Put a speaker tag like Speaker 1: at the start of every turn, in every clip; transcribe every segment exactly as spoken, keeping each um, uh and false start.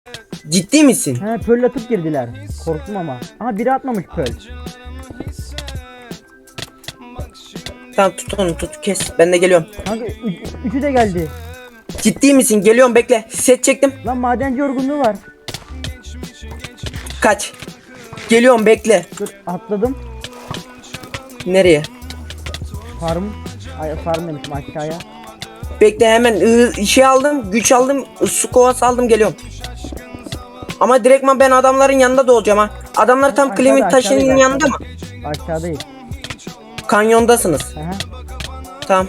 Speaker 1: Ciddi misin?
Speaker 2: He pöl atıp girdiler. Korktum ama. Aha biri atmamış pöl.
Speaker 1: Tamam tut onu tut kes. Ben de geliyorum.
Speaker 2: Kanka ü- üçü de geldi.
Speaker 1: Ciddi misin? Geliyorum bekle. Set çektim.
Speaker 2: Lan madenci yorgunluğu var.
Speaker 1: Kaç. Geliyorum bekle.
Speaker 2: Dur atladım.
Speaker 1: Nereye?
Speaker 2: Farm. Ay farm demişim aşağıya.
Speaker 1: Bekle hemen ıı, şey aldım. Güç aldım. Su kovası aldım geliyorum. Ama direktman ben adamların yanında da olacağım ha. Adamlar tam
Speaker 2: Aşağıda,
Speaker 1: Clement taşının
Speaker 2: aşağıda,
Speaker 1: yanında mı?
Speaker 2: Aşağıdayız.
Speaker 1: Kanyondasınız.
Speaker 2: Aha.
Speaker 1: Tamam.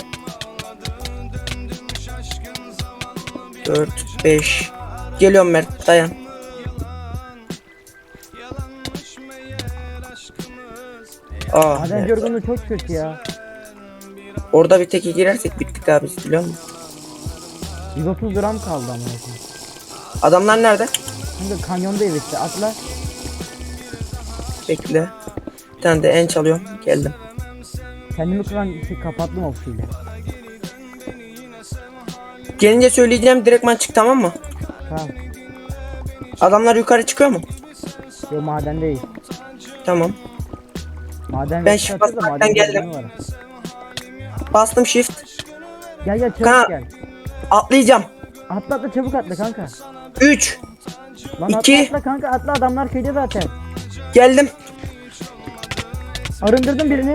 Speaker 1: dört beş. Geliyorum Mert dayan. Aa,
Speaker 2: Madenci
Speaker 1: Mert.
Speaker 2: yorgunluğu çok kötü ya.
Speaker 1: Orada bir teke girersek bittik abi biliyor musun?
Speaker 2: yüz otuz gram kaldı ama.
Speaker 1: Adamlar nerede?
Speaker 2: Kanka kanyondayız işte atla.
Speaker 1: Bekle. Bir tane de en çalıyorum. Geldim.
Speaker 2: Kendimi kıran şey kapattım oksiyle.
Speaker 1: Gelince söyleyeceğim direktman çık tamam mı?
Speaker 2: Tamam.
Speaker 1: Adamlar yukarı çıkıyor mu?
Speaker 2: Yo madendeyiz.
Speaker 1: Tamam.
Speaker 2: Maden
Speaker 1: Ben
Speaker 2: resti
Speaker 1: shift
Speaker 2: atıyor da
Speaker 1: basmaktan
Speaker 2: maden
Speaker 1: geldim.
Speaker 2: yorgunluğu var.
Speaker 1: Bastım shift.
Speaker 2: Gel gel çabuk
Speaker 1: Kanka.
Speaker 2: gel.
Speaker 1: Atlayacağım.
Speaker 2: Atla atla çabuk atla kanka.
Speaker 1: üç.
Speaker 2: Lan
Speaker 1: İki.
Speaker 2: atla atla kanka atla adamlar köyde zaten.
Speaker 1: Geldim.
Speaker 2: Arındırdım birini.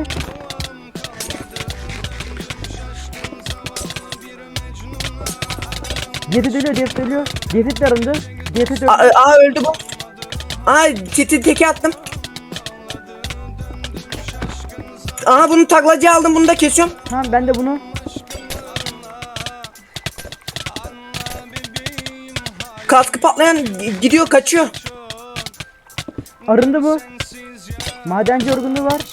Speaker 2: Diyeti ölüyor diyeti ölüyor. Diyeti de arındı. Diyeti de
Speaker 1: Aa,
Speaker 2: öldü.
Speaker 1: aa öldü bu. Aa titi teke attım. Aa bunu taklacıya aldım bunu da kesiyorum.
Speaker 2: Tamam ben de bunu.
Speaker 1: Kaskı patlayan gidiyor kaçıyor.
Speaker 2: Arındı bu. Madenci yorgunluğu var.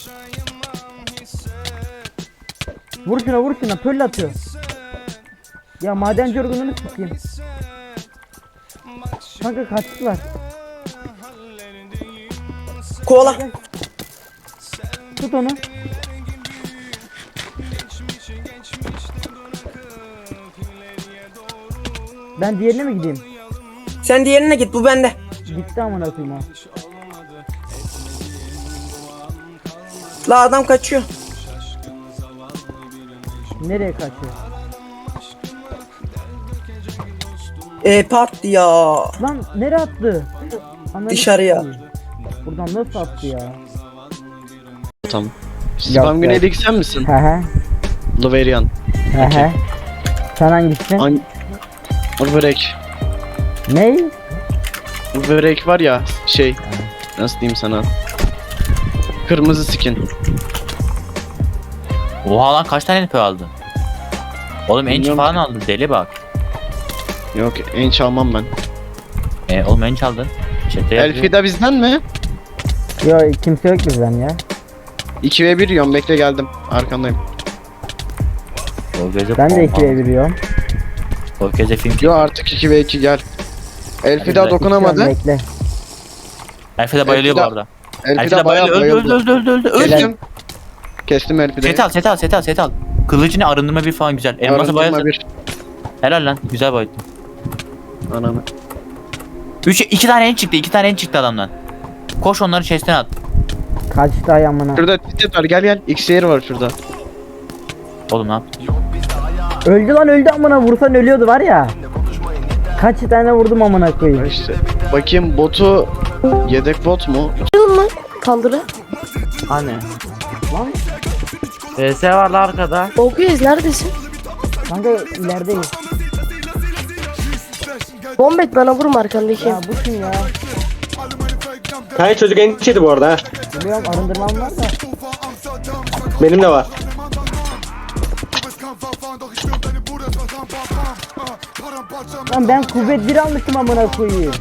Speaker 2: Vur şuna vur şuna pöl atıyor. Ya madenci yorgunluğunu sikeyim. Kanka kaçtılar.
Speaker 1: Kovala.
Speaker 2: Gel. Tut onu. Ben diğerine mi gideyim?
Speaker 1: Sen diğerine git bu bende.
Speaker 2: Gitti amına koyayım o.
Speaker 1: La adam kaçıyor.
Speaker 2: Nereye kaçıyor?
Speaker 1: Ee pat ya.
Speaker 2: Lan nereye attı? Ananı
Speaker 1: Dışarıya.
Speaker 2: sikeyim. Buradan nasıl attı ya?
Speaker 3: Tamam.
Speaker 2: Yok,
Speaker 3: Spam
Speaker 2: yok.
Speaker 3: Güney'deki sen misin?
Speaker 2: He he.
Speaker 3: Laverian.
Speaker 2: He he. Sen hangisisin?
Speaker 3: An... Börek.
Speaker 2: Ney?
Speaker 3: Bu börek var ya şey. Nasıl diyeyim sana? Kırmızı skin.
Speaker 4: Oha lan kaç tane N P aldı? Oğlum enç
Speaker 3: Bilmiyorum
Speaker 4: falan
Speaker 3: ki.
Speaker 4: aldı deli bak.
Speaker 3: Yok en çalmam ben.
Speaker 4: E oğlum enç aldın. Chat'te yazıyor.
Speaker 3: Elfida bizden mi?
Speaker 2: Yo kimse yok bizden ya.
Speaker 3: iki ve bir yiyorum bekle geldim. Arkandayım.
Speaker 4: O gece
Speaker 2: Ben de
Speaker 4: bomba.
Speaker 2: ikiye biliyorum.
Speaker 4: O gece film
Speaker 3: Yo artık iki ve iki gel. Elfida
Speaker 4: Hadi
Speaker 3: dokunamadı.
Speaker 2: Bekle.
Speaker 4: Elfide bayılıyor bu
Speaker 3: Elfida-
Speaker 4: arada.
Speaker 3: Elfida
Speaker 4: Elfide
Speaker 3: bayağı
Speaker 4: bayılıyor. Öldü
Speaker 3: bayıldı.
Speaker 4: öldü öldü öldü öldü.
Speaker 3: Kestim. Kestim Elfida'yı.
Speaker 4: Set al set al set al set al. Kılıcını arındırma bir falan güzel. Elması
Speaker 3: Arındırma
Speaker 4: bayıldı.
Speaker 3: bir.
Speaker 4: Helal lan güzel bayıldı.
Speaker 3: Ananı.
Speaker 4: Üç, iki tane en çıktı iki tane en çıktı adamdan. Koş onları chest'ten at.
Speaker 2: Kaçtı ay amına.
Speaker 3: Şurada titet var gel gel. X-Air var şurada.
Speaker 4: Oğlum ne yaptın?
Speaker 2: Öldü lan öldü amına vursan ölüyordu var ya. Kaç tane vurdum amına koyayım.
Speaker 3: İşte. Bakayım botu yedek bot mu?
Speaker 5: Kaldırı.
Speaker 6: Hani?
Speaker 2: Lan
Speaker 6: V S var la arkada.
Speaker 5: Okuyoruz neredesin?
Speaker 2: kanka ilerideyiz.
Speaker 5: Bombet bana vurma arkandaki.
Speaker 2: Ya bu kim ya?
Speaker 7: Kanka çocuk endişeydi bu arada ha.
Speaker 2: Biliyorum arındırmam var da.
Speaker 7: Benim de var.
Speaker 2: Lan ben kuvvet bir almıştım amına koyayım.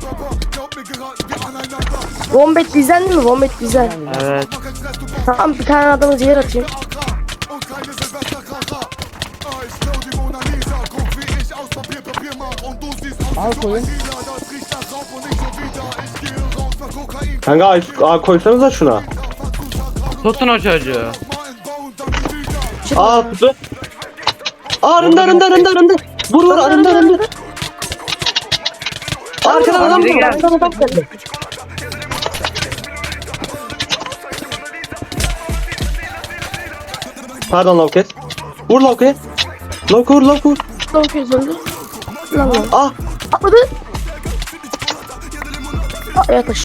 Speaker 5: Bombet bizden değil mi? Bombet bizden.
Speaker 6: Evet.
Speaker 5: Tamam bir tane adamı zehir atayım.
Speaker 2: Al koyun.
Speaker 7: Kanka ay, ay koysanıza şuna.
Speaker 6: Tutun o çocuğu.
Speaker 7: Aa kutu. Aa arındı arındı arındı arındı. Vur vur arındı arındı. Arkadan adam
Speaker 6: biri
Speaker 7: var.
Speaker 6: geldi.
Speaker 7: Arkadan adam geldi. Pardon Lovket. Vur Lovket. Lovket vur Lovket vur.
Speaker 5: Long kez öldü. Lan lan.
Speaker 7: Ah.
Speaker 5: Atladı. Aa, yataş.